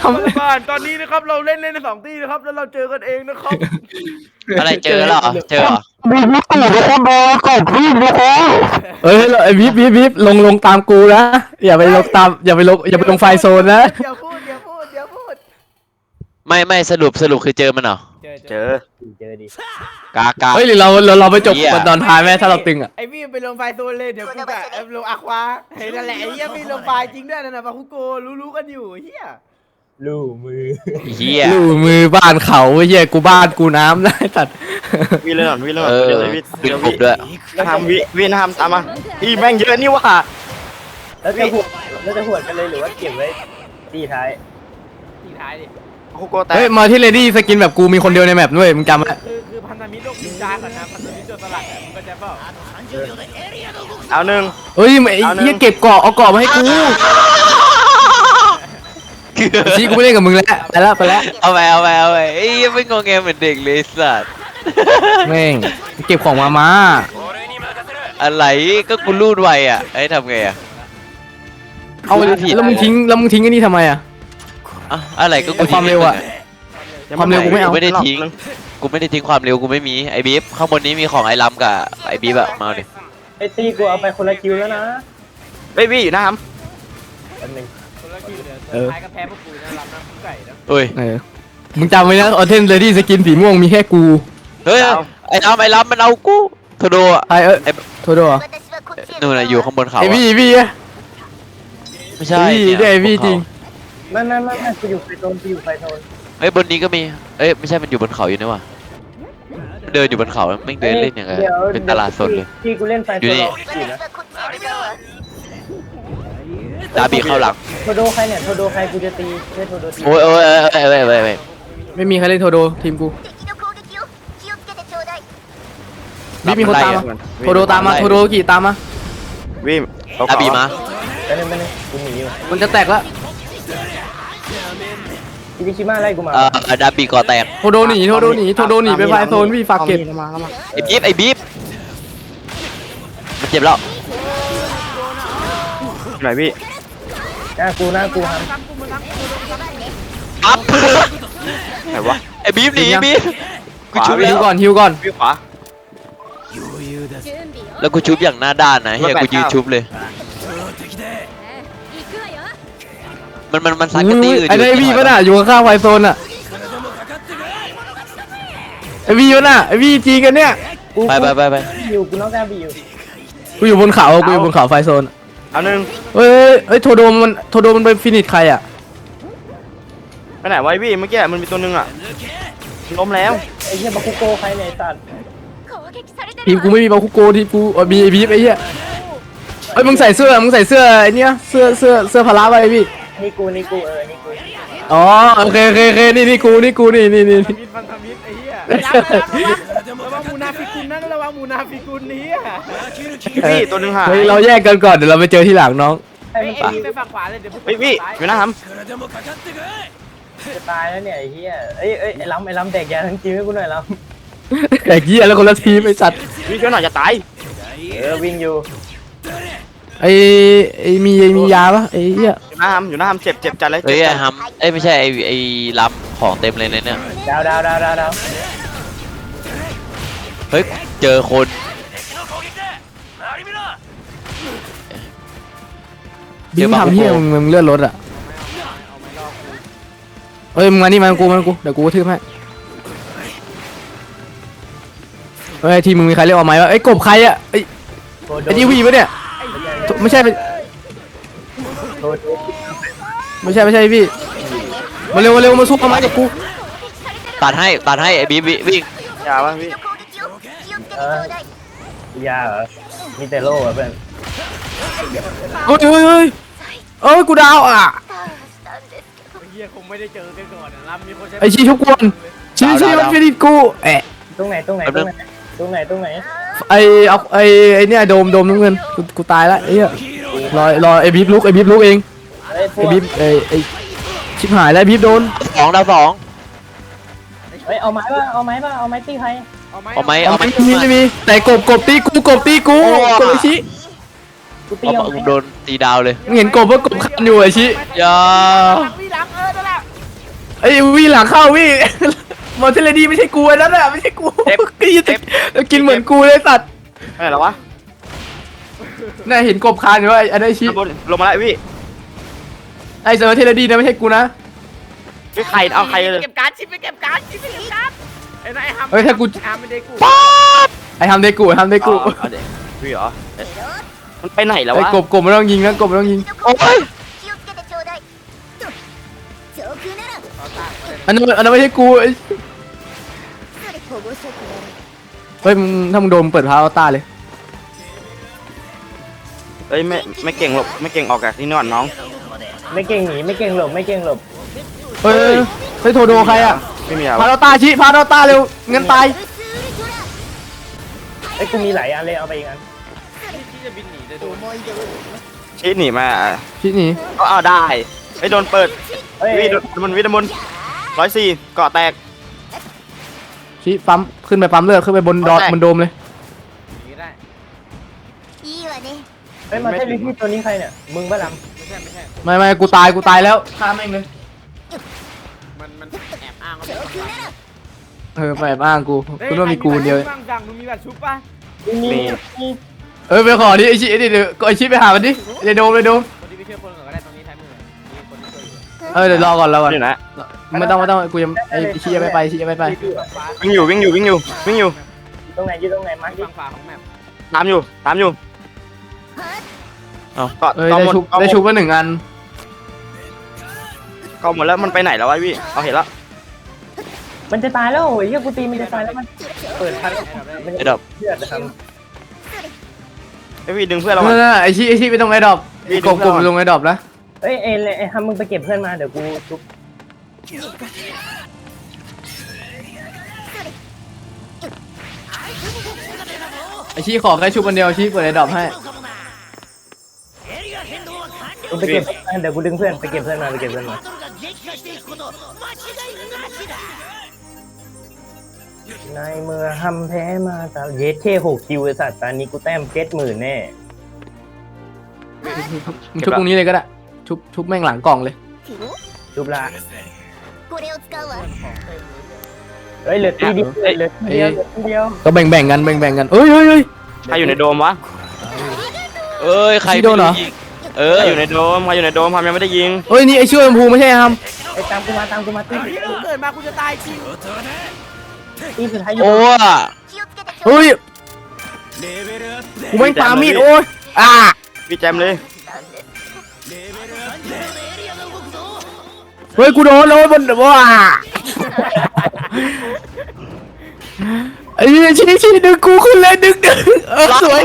ทำบ้านตอนนี้นะครับเราเล่นใน2 ที่นะครับแล้วเราเจอกันเองนะครับอะไรเจอเหรอเจอเหรอมีวิธีทุกคนดูกดวิ่งนะครับเอ้ยไอ้วิบลงตามกูนะอย่าไปลงตามอย่าไปลงไฟโซนนะอย่าพูดไม่สรุปคือเจอมันเหรอเจอดิกากาเฮ้ยหรือเราไปจบกันตอนท้ายไหมถ้าเราตึงอ่ะไอ้พี่ไปลงไฟโซนเลยเดี๋ยวกูกะลงอะควาเห็นนั่นแหละไอ้เหี้ยพี่ลงไฟจริงด้วยนั่นน่ะปาคุโกรู้กันอยู่เหี้ยลู่มือเฮียลู่มือบ้านเขาเหี้ยกูบ้านกูน้ำได้ตัดวิ่งเลยก่อนวิ่งเลยก่อนเดี๋เดี๋ยวดึงผมด้วยทำวิ่งทำตามมาอีแม่งเยอะนี่ว่ะแล้วจะหวดกันเลยหรือว่าเก็บไว้ตีท้ายทีท้ายดิคุโกแตกเฮ้ยมาที่เลดี้สกินแบบกูมีคนเดียวในแมปด้วยมึงจำไว้คือพันธมิตรโลกนินจาก่อนนะพันธมิตรโจรสลัดมึงก็จะเปล่าเอาหนึ่งเฮ้ยไอ้เหี้ยเก็บเกาะเอาเกาะมาให้กูชี้กูไม่เล่นกับมึงแล้วไปแล้วเอาไปเอ้ยไม่งงแงเหมือนเด็กเลยสัตว์แม่งเก็บของมาอะไรก็กูรูดไวอ่ะไอ้ทำไงอ่ะเอาแล้วมึงทิ้งไอ้นี่ทำไมอ่ะอะอะไรก็กูความเร็วอะ ความเร็วกูไม่เอาไม่ได้ทิ้งกูไม่ได้ทิ้งความเร็วกูไม่มีไอ้บีฟข้างบนนี้มีของไอ้ลำกับไอ้บีฟอะมาเอาดิไอ้ตีกูเอาไปคนละคิวแล้วนะเบบี้อยู่นะครับแป๊บนึงคนละคิวเดี๋ยวท้ายก็แพ้พวกกูนะรับน้ำไก่นะเฮ้ยมึงจำไว้นะออเทนเลดี้สกินสีม่วงมีแค่กูเฮ้ยไอ้ลำมันเอากูโทโดอะไอโทษด้วยนู่นน่ะอยู่ข้างบนเขาไออะพี่อะไม่ใช่พี่ได้พี่จริงไม่กูอยู่ไฟโซนเฮ้ยบนนี้ก็มีเอ้ยไม่ใช่มันอยู่บนเขาอยู่นี่ว่ะเดินอยู่บนเขาไม่งเดินเล่นอย่างเงี้ยเป็นตลาดสดเลยที่กูเล่นไฟโซนอยู่นะดาบีเข้าหลังโทโดใครเนี่ยโทโดใครกูจะตีเล่นโทโดตีโอ้ยไม่มีใครเล่นโทโดทีมกูพี่มีคนตามมาโทโดตามมาโทโดกี่ตามมาวิ่งดาบีมาแป๊บนึงกูหนีอยู่มันจะแตกแล้วคิบิชิมาไล่กูมาดาบีก่อแตกโทโดหนีไปไฟโซนพี่ฝากเก็บไอ้บีฟมันเจ็บแล้วไหนพี่หน้ากูฮัมอัพไหนวะไอ้บีฟหนีบีฟกูชุบฮิแล้ว วก่อนวิ่งขวาแล้วกูชุบอย่างหน้าด้านนะเฮียกูยืนชุบเลยมันซัดกันตีอื่นไอ้พี่ป่ะน่ะอยู่ข้างไฟโซนอ่ะไอ้พี่ป่ะน่ะไอ้พี่จริงกันเนี่ยไปอยู่กูน้องกาบีอยู่กูอยู่บนเขาไฟโซนเอาหนึ่งเฮ้ยโทโดมันไปฟินิชใครอ่ะไปไหนไว้พี่เมื่อกี้มันมีตัวหนึงอ่ะล้มแล้วไอ้เหี้ยบาคุโกใครเนี่ยไอ้สัตว์ทีมกูไม่มีบาคุโกทีมกูมีไอ้บีฟไอ้เหี้ยเฮ้ยมึงใส่เสื้อไอ้เนี้ยเสื้อพละไว้พี่นี่กูนี่กูอ๋อโอเคนี่กูนี่พันธมิตรไอ้เหี้ยระวังมูนาฟิกุลนะระวังมูนาฟิกุลนี้พี่ตัวหนึงหายเฮ้ยเราแยกกันก่อนเดี๋ยวเราไปเจอที่หลังน้องไอ้ไอ้มันพี่ไปฝั่งขวาเลยเดี๋ยวพวกเฮ้ยพี่อยู่นะครับจะตายแล้วเนี่ยไอ้เหี้ยไอ้ล้ำแตกยาทั้งทีมให้กูหน่อยล้แต่เหี้ยแล้วคนละทีมไอ้สัตว์พี่ช่วยหน่อยจะตายำวิ่งอยู่ไอ้มียาปะไอ้เหี้ยอยู่หน้าทำเจ็บจัดเลยเฮ้ยเจ็บจัดฮัมไม่ใช่ไอ้ลำของเต็มเลยเนี่ยดาวเฮ้ยเจอคนบิ๊กทำเหี้ยมึงเลื่อนรถอ่ะเฮ้ยมึงมานี่มากูเดี๋ยวกูกระทืบให้เฮ้ยทีมมึงมีใครเรียกว่าไหมวะไอ้กบใครอ่ะไอ้นี่วีปะเนี่ยไม่ใช่พี่มาเร็วมาซุกมาไม้กับกูตัดให้ไอ้บีวิ่งอย่าบ้างพี่ยาเหรอมีแต่โล่อะเพื่อนเอ้ยกูดาวอ่ะเหี้ยคงไม่ได้เจอกันก่อนนะรับมีคนใช้ไอ้ชี้ทุกคนชี้มันฟินิชกูตรงไหนไอ้เนี่ยโดมน้ำเงินกูตายแล้วไอ้เหี้ยรอไอ้บีบลุกเองไอ้บีบไอ้ชิบหายแล้วบีบโดน 2 ดาว 2 เฮ้ยเอาไม้ป่ะเอาไม้ตีใครเอาไหมไม่มีแต่กบตีกูกบไอ้ชี้กูตีเอาโดนตีดาวเลยมึงเห็นกบว่ากบคันอยู่ไอ้ชี้อย่าพี่หลังนั่นแหละไอ้วี่หลังเข้าวี่ มอเทเลดีไม่ใช่กูไอ้นั่นน่ะไม่ใช่กูกินเหมือนกูเลยสัตว์ไปไหนแล้ววะน่าเห็นกบคานอยู่ว่าไอ้ไอ้ชิข้างบนลงมาแล้วพี่ไอ้เซอร์เทเลดีนะไม่ใช่กูนะพี่ใครเอาใครเลยเก็บการ์ดชิปไปเก็บการ์ดชิปไปเก็บการ์ดไอ้นายฮัมเฮ้ยถ้ากูฮัมไม่ได้กูไอ้ทำเดกูทำเดกูเอาเด็กพี่เหรอมันไปไหนแล้วไอ้วะกบไม่ต้องยิงนะกบไม่ต้องยิงโอ้ย気をつけてちょうだい上空ならอันนั้นไม่ใช่กูไอ้保護色ならเฮ้ยมึงถ้ามึงโดนเปิดพาอัลต้าเลยเอ้ยไม่เก่งหลบไม่เก่งออกจากที่นอนน้องไม่เก่งหนีไม่เก่งหลบไม่เก่งหลบเฮ้ยเฮ้ยโทรโดใครอ่ะไม่มีอะไรพาอัลต้าชิพาอัลต้าเร็วงั้นตายไอ้ยกูมีหลายอันเลยเอาไปอีกอันที่จะบินหนีได้โดนชีหนีมาชิหนีก็เอาได้ไอ้โดนเปิดเฮ้ยวิดมน104เกาะแตกชิปั๊มขึ้นไปปั๊มเลือดขึ้นไปบนดอทแตกบนโดมเลยหนีได้いいわねเฮ้ยมาเทลิที่ตัวนี้ใครเนี่ยมึงบ้าลไม่ใช่ไม่กูตายแล้วฆ่าแม่งเลยมันแอบอ้างว่า上空ならไปบ้างกูกูต้องมีกูคนเดียวบ้างจังมึงมีแบบชุบป่ะำมีไปขอดิไอชิเดี๋ยวไอชิไปหามันดิเดี๋ยวโดมคนที่ไปช่วยคนก่อนก็ได้ตรงนี้ท้ายมือมีคนที่ช่วยอยู่เดี๋ยวรอก่อนอยู่นะไม่ต้องกูยังไอชิยังไม่ไปชิยังไม่ไปฟ้าวิ่งอยู่ตรงไหนอยู่ตรงไหนมาร์คดิฝั่งขวาของแมปตามอยู่เอาเกาะได้ชุบมา1 อันเกาะหมดแล้วมันไปไหนแล้ววะพี่เอาเห็นแล้วมันจะตายแล้วโอ้ยเฮียกูตีมันจะตายแล้วมันเปิดพันมันไอ้จะดอกเลือดนะครับไอ้พี่ดึงเพื่อนเรานั่มานไอชิไปตรงไอดอปกบลงไอดอปนะเอ้ยไอ้ฮัมมึงไปเก็บเพื่อนมาเดี๋ยวกูชุบไอชิขอแค่ชุบคนเดียวชิเปิดไอดอปให้มึงไปเก็บเดี๋ยวกูดึงเพื่อนไปเก็บเพื่อนมาไปเก็บเพื่อนมาในเมื่อฮัมแพ้มาตาเยสเท่6 คิวไอ้สัตว์ตอนนี้กูแต้ม70,000แน่มึงชุบตรงนี้เลยก็ได้ชุบแม่งหลังกล่องเลยชุบละこれを使うわเฮ้ยเหลือตีเดียวเหลือตีเดียวเหลือตีเดียวก็แบ่งกันเฮ้ยใครอยู่ในโดมวะเอ้ยใครชี้โดนเหรอยิงใครอยู่ในโดมทำยังไม่ได้ยิงเฮ้ยนี่ไอชื่อชมพูไม่ใช่ครับไอ้ตามกูมาตีเฮ้ยกูเกิดมากูจะตายจริงตีสุดท้ายอยู่โอ้อะ気をつけてちょうเฮ้ยกูไม่ปามีดโอ้ยพี่แจมเลยเฮ้ยกูโดนบนว้าไอ้ชี้ดึงกูขึ้นเลยดึงสวย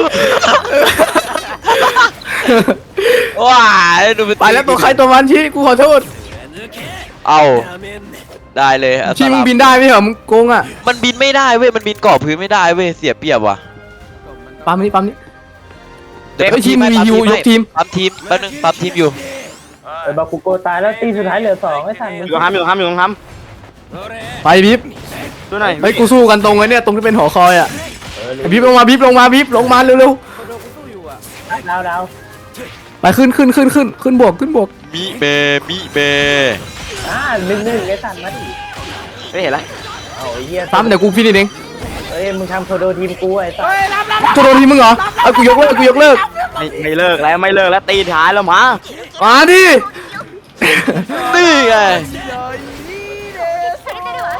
ว้ายดูไปแล้วตัวใครตัวมันชี้กูขอโทษเอาได้เลยอัสชี้มึงลามบินได้ไหมเหรอมึงโกงอ่ะมันบินไม่ได้เว้ยมันบินเกาะพื้นไม่ได้เว้ยเสียเปรียบว่ะปั๊มนี่เดี๋ยวไอ้ทีมมียูยกทีมปั๊มทีมแป๊บนึงปั๊มทีมอยู่บาคุโกตายแล้วตีสุดท้ายเหลือ2ไอ้สัตว์อยู่ห้ามไปบิบดูหน่อยเฮ้ยกูสู้กันตรงไอ้เนี่ยตรงที่เป็นหอคอยอ่ะบิบลงมาเร็วโดนกูสู้อยู่อ่ะดาวๆไปขึ้นบวกมิเบ 1-1ไอ้สัตว์มาดิไม่เห็นละเอาไอ้เหี้ยปั๊มเดี๋ยวกูฟินิชเองเอ้ยมึงทำโทโดทีมกูไอ้สัตว์เฮ้ยรับตัวโดนทีมึงเหรอเอากูยกเลิกไม่เลิกแล้วตีท้ายแล้วมามาดินี่ไงเลยนี่เด้อされてるわ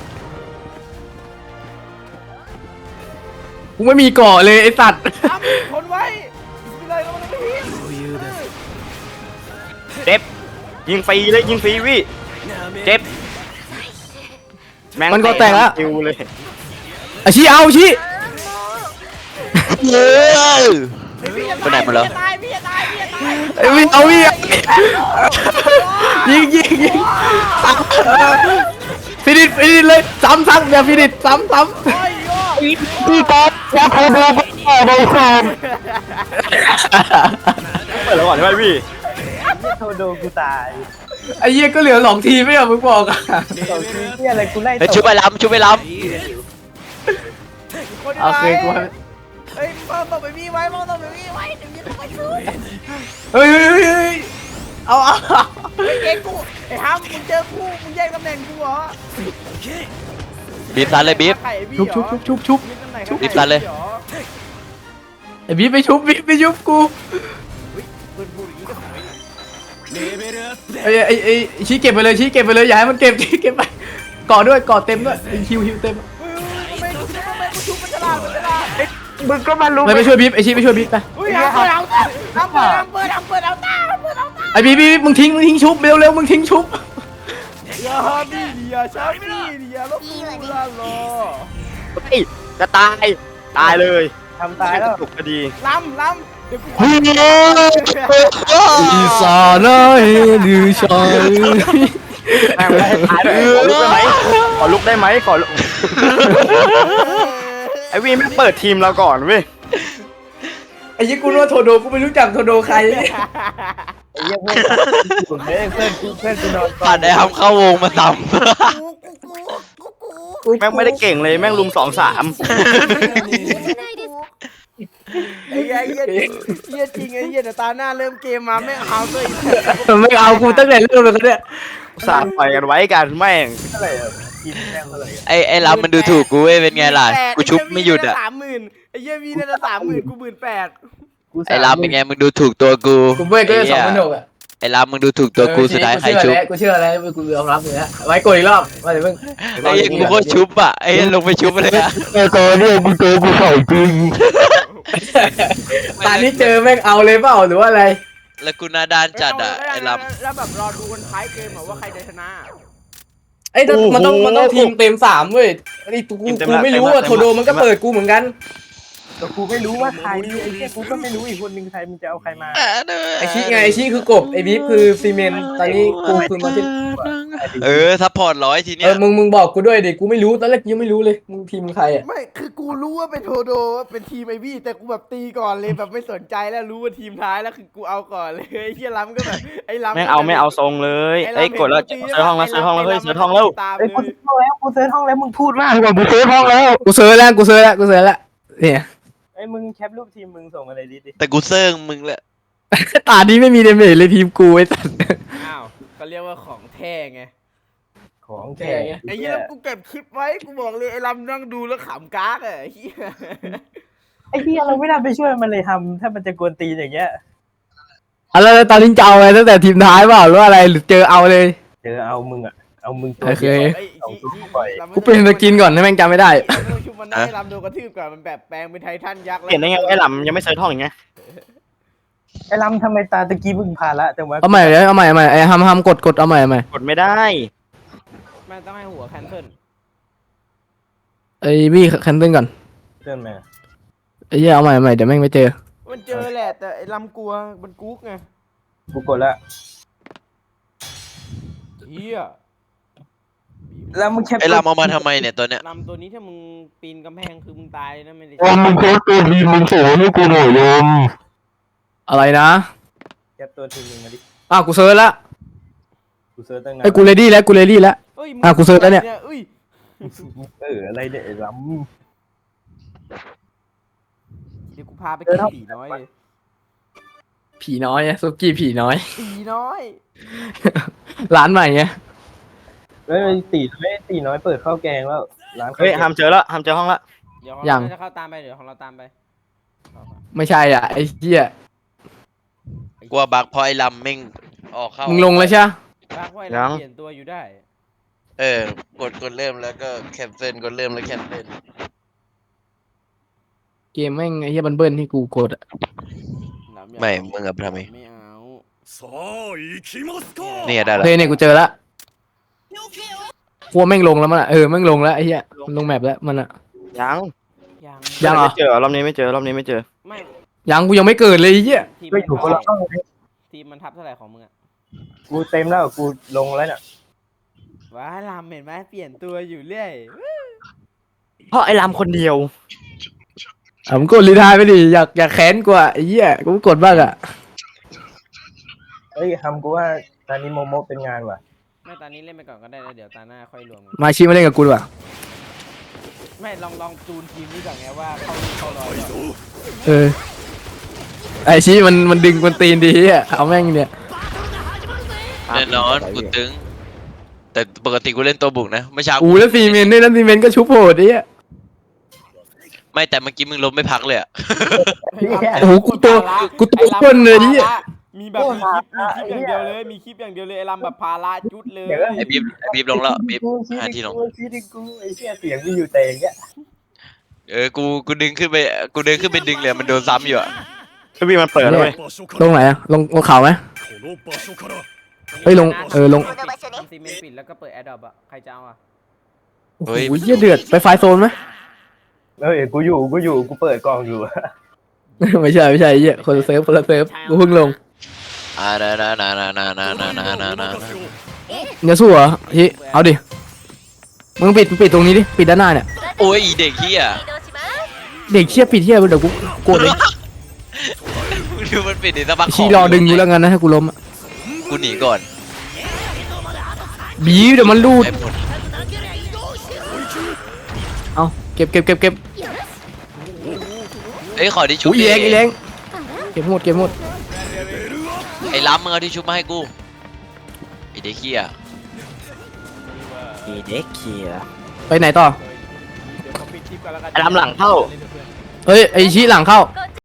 กูไม่มีเกาะเลยไอ้สัตว์ทำทนไว้ไม่เลยก็ไม่ได้พี่เจ็บยิงฟรีวิเจ็บแม่งมันก็แตกแล้วคิวเลยอาชีเอาชี้เย้ยพี่จะไปไหนหมดแล้วพี่จะตายไอ้วิ่งเอาวิ่งยิงฟินิชเลยซ้ำอย่าฟินิชซ้ำโอ้ยโยพี่ก๊อฟแค่พอดูก็ได้แฟนเปิดแล้วก่อนใช่ไหมพี่โทโดกูตายไอ้เหี้ยก็เหลือ2 ทีไม่เหรอมึงบอกอ่ะ 2 ทีเหี้ยอะไรกูไล่เฮ้ยชุบไปล้ำคนดีโอเคกูเฮ้ยมองต่อไปพี่ไว้เดี๋ยวนี้ต้องไปสู้เฮ้ยเอาไอ้เก่งกูไอ้ฮัมมึงเจอกูมึงแย่งตำแหน่งกูเหรอบีบซันเลยบีบไข่บี้ชุบเหรอชุบยึดตำแหน่งรีบตัดเลยหรอไอ้บีบไปชุบบีบไปชุบกูเพื่อนพูดอย่างนี้ก็ทำไมไอ้ชี้เก็บไปเลยชี้เก็บไปเลยอย่าให้มันเก็บชี้เก็บไปเกาะด้วยเกาะเต็มด้วยฮิวเต็มทำไมกูชุบมันฉลาดมันฉลาดมึงก็มารู้ไปช่วยบีบไอ้ชี้ไปช่วยบีบไปอุ้ยเอาเอาเอาตาไอ้บีบมึงทิ้งชุบเร็วมึงทิ้งชุบอย่าบี้เดียชอบบี้เดียลบกูลาลอเฮ้ยจะตายเลยทำตายแล้วถูกพอดีล้ำเดี๋ยวกูอีสานหรือชายแม่งไม่ให้ตายเลยขอลุกได้ไหมขอลุกไอวีไม่เปิดทีมเราก่อนเว้ยไอ้ยี่กูรู้ว่าโทโดกูไม่รู้จักโทโดใครไอ้เหี้ยเพื่อนกูนอนผ่านไอ้ฮัมเข้าวงมาซ้แม่งไม่ได้เก่งเลยแม่งลุม2-3 ไอ้เหี้ยจริงไอ้เหี้ยแต่ตาหน้าเริ่มเกมมาไม่เอาตัวอีกไม่เอากูตั้งแต่เริ่มเลยกันเนี่ยสาดปล่อยกันไว้กันแม่งเท่าไหร่อะทีมแม่งเท่าไหร่อะำไอ้ลำมันดูถูกกูเว้ยเป็นไงล่ะกูชุบไม่หยุดอ่ะ 30,000ไอ้เหี้ยวีนั่นละ30,000กู18,000 กูไอ้ลำเป็นไงมึงดูถูกตัวกูกูเว้ยก็จะ2,600อ่ะไอ้ลำมึงดูถูกตัวกูสุดท้ายใครชุบกูเชื่อแล้วกูยอมรับเลยฮะไว้กดอีกรอบมาเดี๋ยวมึงไอ้ยังกูก็ชุบอ่ะไอ้ยังลงไปชุบเลยอ่ะตอนนี้เจอแม่งเอาเลยเปล่าหรือว่าอะไรแล้วกูหนาด้านจัดอ่ะไอ้ลแล้วแบบรอดูกันท้ายเกมว่าใครจะชนะไอ้มันต้องทีมเต็ม3เว้ยไอ้กูไม่รู้อ่ะโทโดมันก็เปิดกูเหมือนกันแต่กูไม่รู้ว่าใครไอ้เหี้ยกูก็ไม่รู้อีกคนนึงใครมึงจะเอาใครมาไอชี้ไงไอชี้คือกบไอบีฟคือซีเมนต์ตอนนี้กูคือมาที่ซัพพอร์ต100ทีเนี้ยมึงบอกกูด้วยดิกูไม่รู้ตอนแรกยังไม่รู้เลยมึงทีมใครอ่ะไม่คือกูรู้ว่าเป็นโทโดว่าเป็นทีมไอวี่แต่กูแบบตีก่อนเลยแบบไม่สนใจแล้วรู้ว่าทีมท้ายแล้วคือกูเอาก่อนเลยไอ้เหี้ยล้ำก็แบบไอ้ล้ำแม่งเอาไม่เอาทรงเลยไอ้กดแล้วเซิร์ชห้องแล้วเซิร์ชห้องแล้วเฮ้ยเซิร์ชห้องแล้วตามไอ้ยเลยกูเซิร์ชห้องแล้วมึงพูดมากกว่ากูเซิร์ชห้องแล้วกูเซิร์ชแล้วเนี่ยไอ้มึงแคปรูปทีมมึงส่งมาเลยดิแต่กูเซิร์งมึงแหละตานี้ไม่มีเดเมจเลยทีมกูไอ้สัสอ้าวก็เรียกว่าของแท้ไงของแท้ไอ้เหี้ยแล้วกูเก็บคลิปไว้กูบอกเลยไอ้ล้ำนั่งดูแล้วขำก๊ากอ่ะไอ้เหี้ยไอ้เหี้ยเราไม่น่าไปช่วยมันเลยทำถ้ามันจะกวนตีนอย่างเงี้ยแล้วตอนนี้จะเอาอะไรตั้งแต่ทีมท้ายเปล่าหรืออะไรหรือเจอเอาเลยเจอเอามึงอ่ะเอามึงตัวโอเคเดียวไอ้เอาที่ตัวปล่อยกูเป็นสกินก่อนให้แม่งจำไม่ได้ไม่ต้องชุบมันได้ล้ำโดนกระทืบก่อนมันแบบแปลงเป็นไททันยักษ์เห็นได้ไงว่าไอ้หล่ำยังไม่เซิร์ชห้องอย่างเงี้ยไอ้ลำทำไมตาตะกี้มึงพาละแต่ว่าเอาใหม่เลยเอาใหม่ไอ้ฮัมกดเอาใหม่กดไม่ได้แม่งต้องให้หัวแคนเซิลไอ้บี้แคนเซิลก่อนเตือนมาไอ้เหี้ยเอาใหม่เดี๋ยวแม่งไม่เจอมันเจอแหละแต่ไอ้ล้ำกลัวมันกุ๊กไงกูกดละเหี้ยแล้วมึงแคปไอ้ลำเอามาทำไมเนี่ยตัวเนี้ยลำตัวนี้ถ้ามึงปีนกำแพงคือมึงตายนะไม่ได้มึงโคตรตัวทีมึงโสให้กูหน่อยยมอะไรนะแคปตัวทีมมึงมาดิกูเซิร์ชแล้วกูเซิร์ชตั้งนาไอ้นกูเรดี้แล้วเอ้ยกูเซิร์ชแล้วเนี่ยเอ้ยอะไรเนี่ยไอ้ลเดี๋ยวกูพาไปกินผีน้อยเลยผีน้อยซุกี้ผีน้อยผีน้อยร้านใหม่ไงำแล้วตีน้อยเปิดข้าวแกงแล้วร้านข้าวเฮ้ยแกงหามเจอแล้วหามเจอห้องละเดี๋ยวของเราจะเข้าตามไปเดี๋ยวของเราตามไปไม่ใช่อ่ะไอ้เหี้ยกลัวบักเพราะไอ้ลำแม่งออกเข้ามึงลงแล้วใช่บ้าไว้เราเปลี่ยนตัวอยู่ได้กดเริ่มแล้วก็แคนเซิลกดเริ่มแล้วแคนเซิลเกมแม่งไอ้เหี้ยบันเบิ้ลที่กูกดอ่ะไม่มึงกับทำไมไม่เอาเนี่ยได้โอแล้วเคเนี่ยกูเจอละกลัวแม่งลงแล้วมันอ่ะแม่งลงแล้วไอ้เหี้ยมันลงแมปแล้วมันอ่ะยังยังยังเหรอไม่เจอรอบนี้ไม่เจอรอบนี้ไม่เจอไม่ยังกูยังไม่เกิดเลยไอ้เหี้ยทีมก็อยู่คนละห้องทีมมันทับเท่าไหร่ของมึงอะกูเต็มแล้วกูลงแล้วเนี่ยว้าลำเห็นไหมเปลี่ยนตัวอยู่เรื่อยเพราะไอ้ลำคนเดียวมึงกดรีไทายไปดิอยากแค้นกว่าไอ้เหี้ยกูกดบ้างอ่ะเฮ้ยทำกูว่าตอนนี้โมโมเป็นงานว่ะไม่ตอนนี้เล่นไปก่อนก็ได้แล้วเดี๋ยวตาหน้าค่อยรวมกันมาชิมาเล่นกับกูดีกว่าไม่ลองจูนทีมนี้ก่อนไงว่าเข้ารอยก่อนไอ้ชี้มันดึงกวนตีนดีอ่ะเอาแม่งเนี่ยแน่นอนกูตึง แต่ปกติกูเล่นตัวบุกนะเมื่อเช้าอูแล้วซีเมนต์ด้วยนะซีเมนต์ก็ชุบโหดไอ้เหี้ยไม่แต่เมื่อกี้มึงล้มไม่พักเลยอะโอ้โหกูตัวอ้วนเลยเนี่ยมีแบบมีคลิปอย่างเดียวเลยมีคลิปอย่างเดียวเลยไอ้ลำแบบพาราจุดเลยไอ้บีบลงแล้วบีบหาที่ลงกูไอ้เหี้ยเสียงมีอยู่แต่อย่างเงี้ยกูดึงขึ้นไปดึงเลยมันโดนซ้ำอยู่อะพี่มันเปิดเลยลงไหนอะลงเขาไหมเฮ้ยลงลงこの場所ねซีเมนต์ปิดแล้วก็เปิดแอร์ดรอปอะใครจะเอาอะโอ้โหเหี้ยเดือดไปไฟโซนไหมเฮ้ยกูอยู่กูเปิดกล่องอยู่ไม่ใช่ไอ้เหี้ยคนละเซิร์ฟกูเพิ่งลงนาเนี่ยสู้เหรอฮิเอาดิมึงปิดตรงนี้ดิปิดด้านหน้าเนี่ยโอ้ยอีเด็กเฮีย移動しますเด็กเชี่ยปิดเชี่ยเดี๋ยวกูโกรธเลยมึงดูมันปิดในตะบักชี้รอดึงกูแล้วกันนะถ้ากูล้มอะกูหนีก่อนบีเดี๋ยวมันรูดไอ้ผลเอาเก็บเอ้ยขอที่ชุบอุ้ยแรงอีแรงเก็บหมดไอ้ล้ำมึงเอาที่ชุบมาให้กูไอ้เด็กเฮียไปไหนต่อเดี๋ยวเขาปิดคลิปกันแล้วกันไอ้ลำหลังเข้าเฮ้ยไอชี้หลังเข้า攻